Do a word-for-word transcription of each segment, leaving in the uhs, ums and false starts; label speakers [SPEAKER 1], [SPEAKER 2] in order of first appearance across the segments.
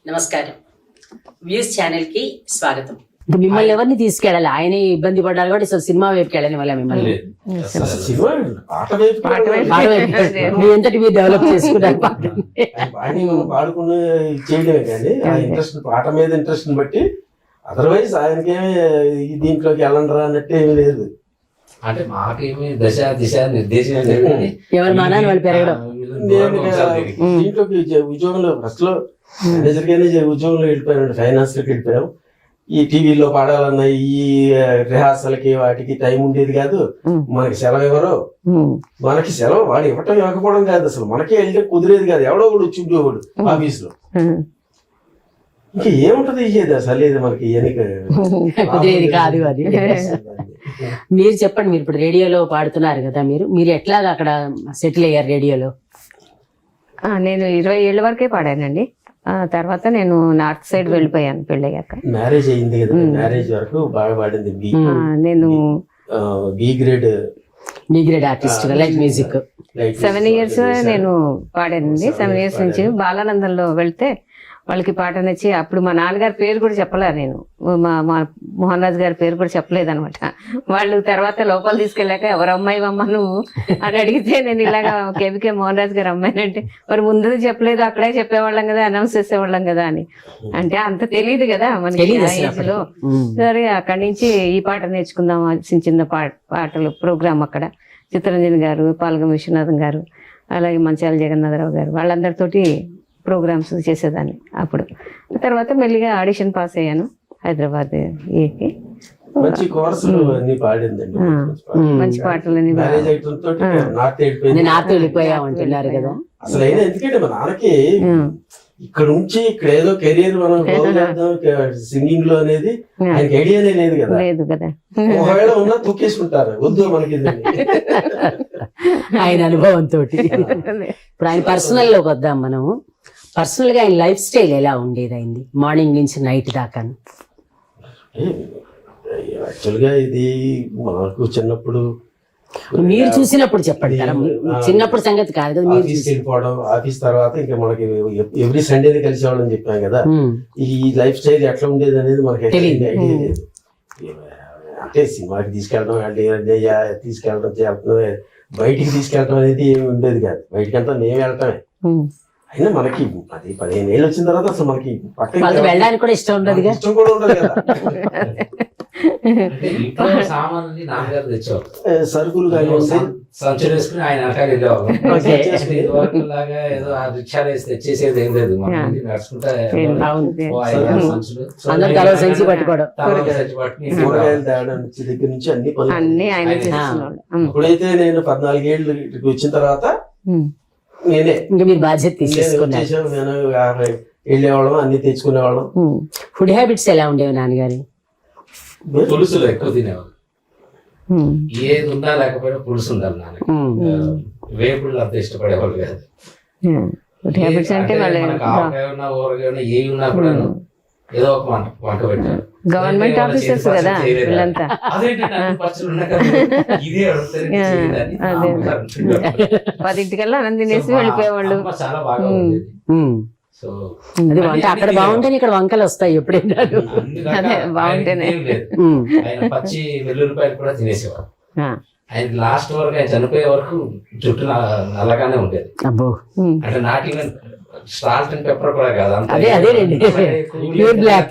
[SPEAKER 1] నమస్కారం. Views channel కి స్వాగతం.
[SPEAKER 2] మిమ్మల్ని ఎవరిని తీసుకెళ్ళాలి? ఆయనే ఇబ్బంది పడ్డారు కాబట్టి సో సినిమా వైపుకి వెళ్ళని వల్ల మిమ్మల్ని మీ ఎంతటి మీరు డెవలప్ చేసుకున్నారు
[SPEAKER 3] పాడుకుని చేయడమే కానీ ఆ ఇంట్రెస్ట్ పాట మీద ఇంట్రెస్ట్ బట్టి అదర్వైజ్ ఆయనకేమి దీంట్లోకి వెళ్ళండి అన్నట్టు ఏమీ లేదు.
[SPEAKER 4] అంటే మాకేమి దశ దిశ నిర్దేశం
[SPEAKER 2] ఎవరి మానాన్ని వాళ్ళు పెరగడం.
[SPEAKER 3] నేను దీంట్లోకి ఉద్యోగంలో ఫస్ట్ లో మేనేజర్ గానే ఉద్యోగంలో వెళ్ళిపోయాను, ఫైనాన్స్ లోకి వెళ్ళిపోయాం. ఈ టీవీలో పాడాలన్న ఈ రిహార్సల్కి వాటికి టైం ఉండేది కాదు. మనకి సెలవు ఎవరో మనకి సెలవు వాడు ఇవ్వటం ఇవ్వకపోవడం కాదు, అసలు మనకే వెళ్తే కుదిరేది కాదు. ఎవడో కూడా వచ్చి ఉండేవాడు ఆఫీస్ లో. ఇంకా ఏముంటది ఇచ్చేది అసలు లేదు మనకి
[SPEAKER 2] కుదిరేది కాదు అది. మీరు చెప్పండి, మీరు ఇప్పుడు రేడియోలో పాడుతున్నారు కదా, మీరు మీరు ఎట్లాగా అక్కడ సెటిల్ అయ్యారు రేడియోలో?
[SPEAKER 5] నేను ఇరవై ఏళ్ళ వరకే పాడానండి. తర్వాత నేను నార్త్ సైడ్ వెళ్ళిపోయాను పెళ్ళయ్యాక.
[SPEAKER 3] మ్యారేజ్ అయింది కదా, మ్యారేజ్ వరకు బాగా పాడింది.
[SPEAKER 5] నేను
[SPEAKER 3] B grade
[SPEAKER 2] B grade artist light music
[SPEAKER 5] seven years నేను పాడానండి. సెవెన్ ఇయర్స్ నుంచి బాలానందంలో వెళ్తే వాళ్ళకి పాట నచ్చి, అప్పుడు మా నాన్నగారి పేరు కూడా చెప్పలే, నేను మా మా మోహన్ రాజు గారి పేరు కూడా చెప్పలేదు అనమాట. వాళ్ళు తర్వాత లోపల తీసుకెళ్ళాక ఎవరు అమ్మాయి అమ్మ నువ్వు అని అడిగితే నేను ఇలాగా కేబికే మోహన్ రాజు గారు అమ్మాయి అంటే, మరి ముందు చెప్పలేదు, అక్కడే చెప్పేవాళ్ళం కదా, అనౌన్స్ చేసేవాళ్ళం కదా అని. అంటే అంత తెలియదు కదా మనకి ఆ ఏజ్ లో. సరే అక్కడి నుంచి ఈ పాట నేర్చుకుందాం, చిన్న చిన్న పాట పాటలు ప్రోగ్రామ్ అక్కడ చిత్తరంజన్ గారు, పాల్గం విశ్వనాథం గారు, అలాగే మంచాల జగన్నాథరావు గారు, వాళ్ళందరితోటి ప్రోగ్రామ్స్ చేసేదాన్ని. అప్పుడు తర్వాత మెల్లిగా ఆడిషన్ పాస్ అయ్యాను హైదరాబాద్ ఏకి.
[SPEAKER 3] మంచి కోర్సులు అన్ని పాడిందండి,
[SPEAKER 5] మంచి పాటలని.
[SPEAKER 2] నాతో వెళ్ళిపోయామంటున్నారు కదా.
[SPEAKER 3] అసలు అయినా ఎందుకంటే మా నాన్నకి ఇక్కడ నుంచి ఇక్కడ ఏదో కెరీర్ మనం సింగింగ్ లో అనేది ఆయనకి ఐడియానే లేదు కదా.
[SPEAKER 5] లేదు కదా,
[SPEAKER 3] ఒకవేళ ఉన్నా తొక్కేసుకుంటారు, వద్దు మనకి
[SPEAKER 2] ఆయన అనుభవంతో. ఇప్పుడు ఆయన పర్సనల్ లోకి వద్దాం మనము. పర్సనల్ గా ఆయన లైఫ్ స్టైల్ ఎలా ఉండేది అయింది మార్నింగ్ నుంచి నైట్ దాకా?
[SPEAKER 3] యాక్చువల్ గా ఇది మాకు చిన్నప్పుడు
[SPEAKER 2] మీరు చూసినప్పుడు చెప్పండి కదా, చిన్నప్పుడు సంగతి కాదు కదా. మీరు
[SPEAKER 3] వెళ్ళిపోవడం, ఆఫీస్ తర్వాత ఇంకా మనకి ఎవ్రీ సండే కలిసేవాళ్ళని చెప్పాం కదా. ఈ లైఫ్ స్టైల్ ఎట్లా ఉండేది అనేది మనకి ఐడియా లేదు. అంటే సినిమాకి తీసుకెళ్ళడం, తీసుకెళ్ళడం చేస్తున్నాం, బయటికి తీసుకెళ్ళడం అనేది ఏమి ఉండేది కాదు. బయటికి అంతా నేను వెళ్ళటమే. అయినా మనకి పది పదిహేను ఏళ్ళు వచ్చిన తర్వాత అసలు మనకి పక్కన
[SPEAKER 2] వెళ్ళడానికి కూడా ఇష్టం ఉండదు,
[SPEAKER 3] ఇష్టం కూడా ఉండదు కదా. సరుకులు
[SPEAKER 4] సంచులు వేసుకుని ఆయన వెనకాల వెళ్ళేవాళ్ళు. లాగా ఏదో ఆ రిక్షాలు వేసి తెచ్చేసేది ఏం లేదు, నడుచుకుంటా
[SPEAKER 3] కూరగాయలు తేవడం నుంచి దగ్గర నుంచి అన్ని పనులు. ఇప్పుడైతే నేను పద్నాలుగేళ్ళు వచ్చిన తర్వాత నేనే
[SPEAKER 2] ఇంకా మీరు బాధ్యత తీసేసుకున్నారు.
[SPEAKER 3] నేను వెళ్ళేవాళ్ళం, అన్ని తెచ్చుకునేవాళ్ళం.
[SPEAKER 2] ఫుడ్ హ్యాబిట్స్ ఎలా ఉండేవి నాన్నగారి?
[SPEAKER 4] పులుసులు ఎక్కువ తినేవాళ్ళు, ఏది ఉన్నా లేకపోయినా పులుసు ఉండాలి నాన్న. వేపుళ్ళు అంత ఇష్టపడేవాళ్ళు కాదు. ఆవకాయ ఉన్నా ఊరగాయ ఉన్నా ఏ ఉన్నా కూడా ఏదో ఒక వంట వంట పెట్టారు.
[SPEAKER 5] గవర్నమెంట్ ఆఫీసర్స్ కదా వీళ్ళంతా. పదింటికల్లా అన్నం తినేసి వెళ్ళిపోయేవాళ్ళు.
[SPEAKER 4] చాలా బాగా ఉండేది. సో
[SPEAKER 2] అది వంట అక్కడ బాగుంటేనే ఇక్కడ వంకలు వస్తాయి ఎప్పుడైనా.
[SPEAKER 5] అదే బాగుంటేనే.
[SPEAKER 4] ఆయన పచ్చి వెల్లుల్లిపాయలు కూడా తినేసేవాడు. ఆయన లాస్ట్ వరకు, ఆయన చనిపోయే వరకు జుట్టు నల్లగానే ఉండేది.
[SPEAKER 2] అబ్బో,
[SPEAKER 4] అంటే not even salt and pepper కూడా కాదు,
[SPEAKER 2] అదే అదే ప్యూర్ బ్లాక్.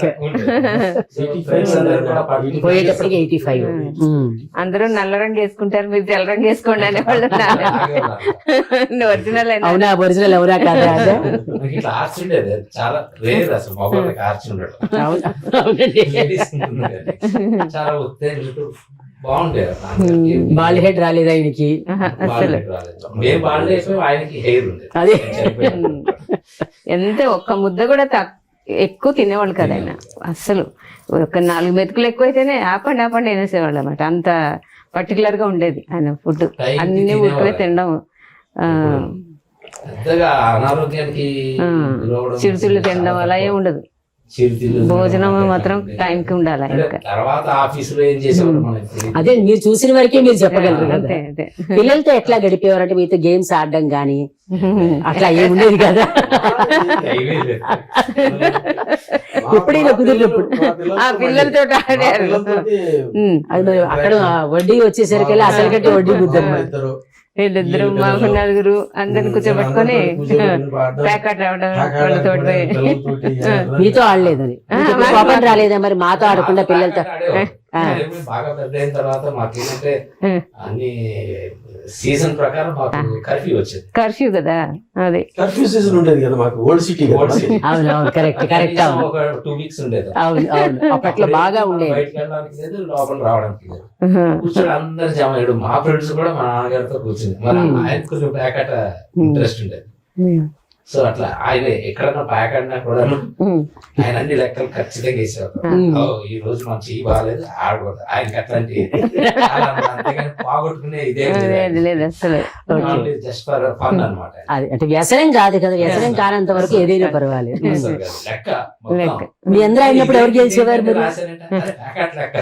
[SPEAKER 2] పోయేటప్పటికి ఎయిటీ ఫైవ్.
[SPEAKER 5] అందరూ నల్ల రంగు వేసుకుంటారు, మీరు తెల్ల రంగు వేసుకోండి అనేవాళ్ళు. ఒరిజినల్
[SPEAKER 2] అవునా? ఒరిజినల్ ఎవరా కాదా?
[SPEAKER 4] ఇట్లా ఆర్చి ఉండేది చాలా రేర్ అసలు, మగవాళ్ళకి ఆర్చి ఉండడం. చాలా బాగుండేది.
[SPEAKER 2] బాల్ హెడ్ రాలేదు ఆయనకి.
[SPEAKER 4] మేము బాల్ అయిపోయి ఆయనకి హెయిర్ ఉండేది.
[SPEAKER 2] అదే
[SPEAKER 5] ఎంత ఒక్క ముద్ద కూడా ఎక్కువ తినేవాళ్ళు కదా ఆయన. అస్సలు ఒక నాలుగు మెతుకులు ఎక్కువైతేనే ఆపండి ఆపండి అనేసేవాళ్ళు అనమాట. అంత పర్టికులర్ గా ఉండేది ఆయన ఫుడ్. అన్ని ఉడికే తినడం,
[SPEAKER 4] అనారోగ్యానికి
[SPEAKER 5] చిరుతిళ్ళు తినడం అలా ఏమి ఉండదు.
[SPEAKER 4] చిరుతిళ్ళు
[SPEAKER 5] భోజనం మాత్రం టైంకి ఉండాలి
[SPEAKER 4] అంటే
[SPEAKER 5] ఇంకా.
[SPEAKER 4] తర్వాత ఆఫీసులో ఏం చేసేవాడు మనకి తెలియదు.
[SPEAKER 2] అదే మీరు చూసిన వరకే మీరు చెప్పగలరు కదా.
[SPEAKER 5] అంతే అదే
[SPEAKER 2] పిల్లలతో ఎట్లా గడిపేవారు అంటే మీతో గేమ్స్ ఆడడం గానీ అట్లా ఏముండేది కదా.
[SPEAKER 4] టైమే లేదు.
[SPEAKER 2] ఎప్పుడైనా కుదిరినప్పుడు
[SPEAKER 5] ఆ పిల్లలతో ఆడారు. ఉమ్.
[SPEAKER 2] అది మరి అక్కడ వడ్డీ వచ్చేసరికి అసలు కట్టి వడ్డీ బుద్ధి
[SPEAKER 5] వీళ్ళిద్దరు మా నలుగురు అందరిని కూర్చోబెట్టుకొని ప్యాకెట్ రావడం వాళ్ళతో
[SPEAKER 2] మీతో ఆడలేదని కోపం రాలేదా మరి మాతో ఆడకుండా పిల్లలతో?
[SPEAKER 4] ఆడేవాడు. బాగా పెద్ద అయిన తర్వాత మాకేంటంటే అన్ని సీజన్ ప్రకారం మాకు కర్ఫ్యూ వచ్చేది.
[SPEAKER 5] కర్ఫ్యూ కదా అది.
[SPEAKER 3] కర్ఫ్యూ సీజన్ ఉండేది కదా మాకు, ఓల్డ్ సిటీ
[SPEAKER 4] ఓల్డ్ సిటీ.
[SPEAKER 2] అవును అవును కరెక్ట్ కరెక్ట్ అవును
[SPEAKER 4] ఒక టూ వీక్స్ ఉండేది.
[SPEAKER 2] అవును అవును అప్పట్లో బాగా ఉండేది.
[SPEAKER 4] బయటకు వెళ్ళడానికి లేదు, లోపల రావడానికి లేదు. కూర్చొని అందరు జమ అయ్యాడు. మా ఫ్రెండ్స్ కూడా మా నాన్నగారితో కూర్చుంది. మరి ఆయన కొంచెం ప్యాకెట్ ఇంట్రెస్ట్ ఉండేది. సో అట్లా ఆయన ఎక్కడన్నా ప్యాక్ ఆడినా కూడా ఆయన అన్ని లెక్కలు ఖచ్చితంగా వేసేవారు. ఓ, ఈ రోజు మన చెయ్యి బాగాలేదు ఆడకూడదు, ఆయనకి అట్లాంటి అంతేగాని పోగొట్టుకునే ఇదే
[SPEAKER 5] లేదు అసలు.
[SPEAKER 4] జస్ట్ ఫర్ ఫన్ అనమాట.
[SPEAKER 2] అది అంటే వ్యసనం కాదు కదా, వ్యసనం కానంత వరకు ఏదైనా పర్వాలేదు.
[SPEAKER 4] లెక్క
[SPEAKER 5] లెక్క.
[SPEAKER 2] మీ అందరూ ఆడినప్పుడు ఎవరు గెలిచేవారు మీరు?
[SPEAKER 4] ప్యాకెట్ లెక్క.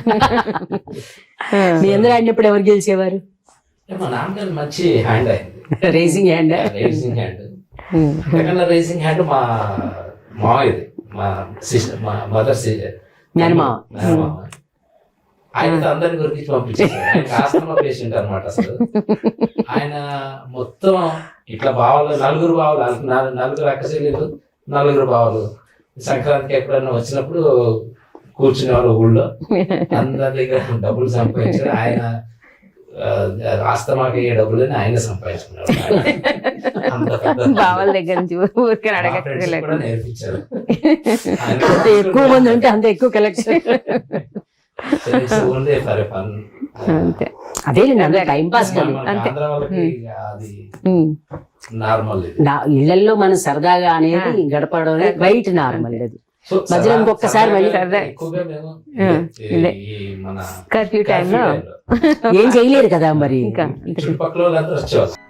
[SPEAKER 2] మీ అందరూ ఆడినప్పుడు ఎవరు గెలిచేవారు?
[SPEAKER 4] మా నాన్నగారు మంచి హ్యాండ్ అయింది,
[SPEAKER 2] రేసింగ్ హ్యాండ్.
[SPEAKER 4] Racing hand. అంతకన్నా రేసింగ్ హ్యాండ్ మా మావయ్యది, మా సిస్టర్, మా మదర్
[SPEAKER 2] మేనమామ.
[SPEAKER 4] మేనమామ. ఆయనతో అందరిని గురించి పంపించారు. ఆయన ఆస్తమా పేషెంట్ అనమాట. అసలు ఆయన మొత్తం ఇట్లా బావలు, నలుగురు బావలు, నాలుగు నలుగురు అక్క చెల్లెలు, నలుగురు బావలు. సంక్రాంతికి ఎప్పుడన్నా వచ్చినప్పుడు కూర్చునేవారు ఊళ్ళో. అందరి దగ్గర డబ్బులు సంపాదించారు. ఆయన ఆస్తమాకి ఏ డబ్బులని ఆయన సంపాదించుకున్నారు.
[SPEAKER 5] బావల దగ్గర నుంచి ఊరికే అడగట్లేదు.
[SPEAKER 4] కూడా నేర్పించారు.
[SPEAKER 2] అంత ఎక్కువ మంది ఉంటే అంత ఎక్కువ కలెక్షన్.
[SPEAKER 5] అంతే
[SPEAKER 2] అదే టైం పాస్ కదా.
[SPEAKER 4] అది నార్మల్.
[SPEAKER 2] ఇళ్లలో మనం సరదాగా అనేది గడపడం అనేది బయట నార్మల్. అది మధ్యలో ఇంకొకసారి మళ్ళీ
[SPEAKER 4] ఎక్కువగా మేము మన
[SPEAKER 5] కర్ఫ్యూ టైంలో
[SPEAKER 2] ఏం చేయలేరు కదా మరి.
[SPEAKER 5] ఇంకా
[SPEAKER 4] చుట్టుపక్కల వాళ్ళందరూ వచ్చేవాళ్ళు.